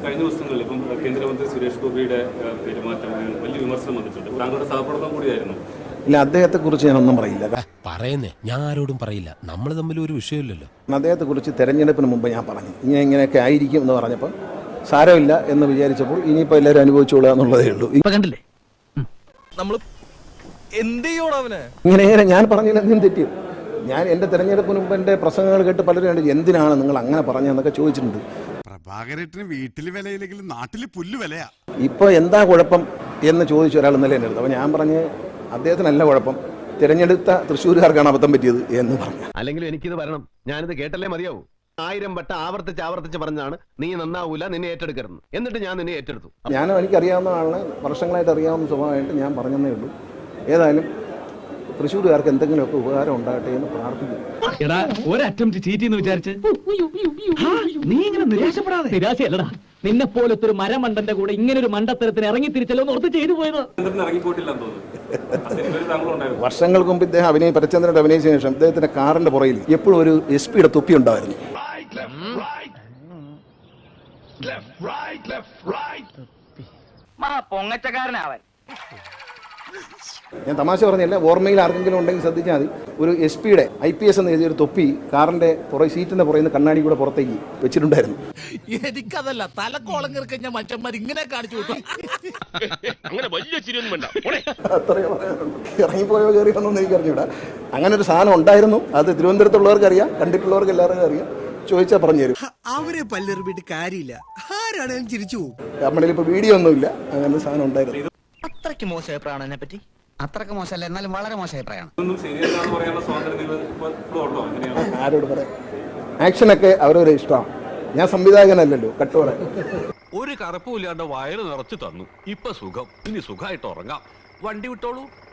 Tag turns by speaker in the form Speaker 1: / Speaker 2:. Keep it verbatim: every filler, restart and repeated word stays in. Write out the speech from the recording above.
Speaker 1: കഴിഞ്ഞ ദിവസങ്ങളിൽ ഇപ്പം കേന്ദ്രമന്ത്രി സുരേഷ് ഗോപിയുടെ പെരുമാറ്റം വലിയ വിമർശനം വന്നിട്ടുണ്ട്. താങ്കളുടെ സഹപ്രവർത്തനം കൂടിയായിരുന്നു.
Speaker 2: ഇല്ല, അദ്ദേഹത്തെക്കുറിച്ച് ഞാനൊന്നും പറയില്ല.
Speaker 3: പറയുന്നേ ഞാൻ ആരോടും പറയില്ല. നമ്മൾ തമ്മിൽ ഒരു വിഷയമില്ലല്ലോ.
Speaker 2: അദ്ദേഹത്തെക്കുറിച്ച് തെരഞ്ഞെടുപ്പിന് മുമ്പ് ഞാൻ പറഞ്ഞു ഇങ്ങനെ ഇങ്ങനെയൊക്കെ ആയിരിക്കും എന്ന് പറഞ്ഞപ്പോൾ സാരമില്ല എന്ന് വിചാരിച്ചപ്പോൾ ഇനിയിപ്പോൾ എല്ലാവരും അനുഭവിച്ചോളുക എന്നുള്ളതേ ഉള്ളൂ.
Speaker 4: കണ്ടില്ലേ നമ്മൾ എന്ത് ചെയ്യോടവന്
Speaker 2: ഇങ്ങനെ ഇങ്ങനെ ഞാൻ പറഞ്ഞതിൽ എന്തും തെറ്റിയും. ഞാൻ എൻ്റെ തെരഞ്ഞെടുപ്പിന് മുമ്പ് എൻ്റെ പ്രസംഗങ്ങൾ കേട്ട് പലരും കണ്ട് എന്തിനാണ് നിങ്ങൾ അങ്ങനെ പറഞ്ഞതെന്നൊക്കെ ചോദിച്ചിട്ടുണ്ട്.
Speaker 5: പ്രഭാകരേട്ടന് വീട്ടിൽ വിലയില്ലെങ്കിലും നാട്ടിൽ പുല്ല് വിലയാ.
Speaker 2: ഇപ്പോൾ എന്താ കുഴപ്പം എന്ന് ചോദിച്ച ഒരാൾ ഇന്നലെ എൻ്റെ അടുത്ത്. അപ്പോൾ ഞാൻ പറഞ്ഞ് അദ്ദേഹത്തിനല്ല കുഴപ്പം, തിരഞ്ഞെടുത്ത തൃശ്ശൂരുകാർക്കാണ് അബദ്ധം പറ്റിയത് എന്ന് പറഞ്ഞു.
Speaker 6: അല്ലെങ്കിൽ എനിക്കിത് വരണം, ഞാനിത് കേട്ടല്ലേ മതിയാവൂ. ആയിരം വട്ടം ആവർത്തിച്ച് ആവർത്തിച്ച് പറഞ്ഞാണ് നീ നന്നാവൂല, നിന്നെ ഏറ്റെടുക്കരുത്. എന്നിട്ട് ഞാൻ നിന്നെ ഏറ്റെടുത്തു.
Speaker 2: ഞാനും എനിക്കറിയാവുന്ന ആളിനെ വർഷങ്ങളായിട്ട് അറിയാവുന്ന സ്വഭാവമായിട്ട് ഞാൻ പറഞ്ഞതേ ഉള്ളൂ. ഏതായാലും തൃശ്ശൂരുകാർക്ക് എന്തെങ്കിലുമൊക്കെ ഉപകാരം ഉണ്ടാകട്ടെ എന്ന് പ്രാർത്ഥിക്കുന്നു.
Speaker 4: നീ ഇങ്ങനെ നിരാശപ്പെടാതെ. നിരാശയല്ലടാ, നിന്നെ പോലത്തെ ഒരു മരമണ്ടന്റെ കൂടെ ഇങ്ങനെ ഒരു മണ്ടത്തരത്തിന് ഇറങ്ങി തിരിച്ചല്ലോ ഓർത്ത് ചെയ്തു പോയത്.
Speaker 2: വർഷങ്ങൾക്ക് മുമ്പ് ഇദ്ദേഹം അഭിനയ പരചന്ദ്രന്റെ അഭിനയിച്ച ശേഷം ഇദ്ദേഹത്തിന്റെ കാറിന്റെ പുറയിൽ എപ്പോഴും ഒരു എസ് പിയുടെ തൊപ്പി ഉണ്ടായിരുന്നു.
Speaker 4: പൊങ്ങച്ചക്കാരനാവൻ.
Speaker 2: ഞാൻ തമാശ പറഞ്ഞല്ല, ഓർമ്മയിൽ ആർക്കെങ്കിലും ഉണ്ടെങ്കിൽ ശ്രദ്ധിച്ചാൽ മതി. ഒരു എസ് പിയുടെ ഐ പി എസ് എന്ന് എഴുതിയ ഒരു തൊപ്പി കാറിന്റെ പുറകെ സീറ്റിന്റെ പുറയിൽ നിന്ന് കണ്ണാടി കൂടെ പുറത്തേക്ക് വെച്ചിട്ടുണ്ടായിരുന്നു.
Speaker 7: എനിക്കതല്ല, തലക്കോളം കിറക്കഞ്ഞ മറ്റന്മാർ ഇങ്ങനെ കാണിച്ചു വിട്ടു.
Speaker 2: അത്രയും ഇറങ്ങിപ്പോയോ കയറി വന്നൊന്നും എനിക്ക് അറിഞ്ഞൂടാ. അങ്ങനെ ഒരു സാധനം ഉണ്ടായിരുന്നു. അത് തിരുവനന്തപുരത്തുള്ളവർക്ക് അറിയാം, കണ്ടിട്ടുള്ളവർക്ക് എല്ലാവർക്കും അറിയാം. ചോദിച്ചാൽ പറഞ്ഞു തരും.
Speaker 7: അവരെ പല്ലെറിഞ്ഞിട്ട് കാര്യമില്ല, ആരാണെങ്കിലും ചിരിച്ചു പോകും.
Speaker 2: നമ്മുടെ ഇപ്പൊ വീഡിയോ ഒന്നുമില്ല, അങ്ങനെ സാധനം ഉണ്ടായിരുന്നു.
Speaker 4: അത്രയ്ക്ക് മോശം അഭിപ്രായമാണ് എന്നെ പറ്റി. അത്രയ്ക്ക് മോശമല്ല, എന്നാലും വളരെ മോശം അഭിപ്രായമാണ്.
Speaker 2: ആരോട് പറയാം, ആക്ഷനൊക്കെ അവരവരെ ഇഷ്ടമാണ്. ഞാൻ സംവിധായകനല്ലല്ലോ, കട്ടോടെ.
Speaker 8: ഒരു കറുപ്പുമില്ലാണ്ട് വയറ് നിറച്ചു തന്നു. ഇപ്പൊ സുഖം, ഇനി സുഖമായിട്ട് ഉറങ്ങാം. വണ്ടി വിട്ടോളൂ.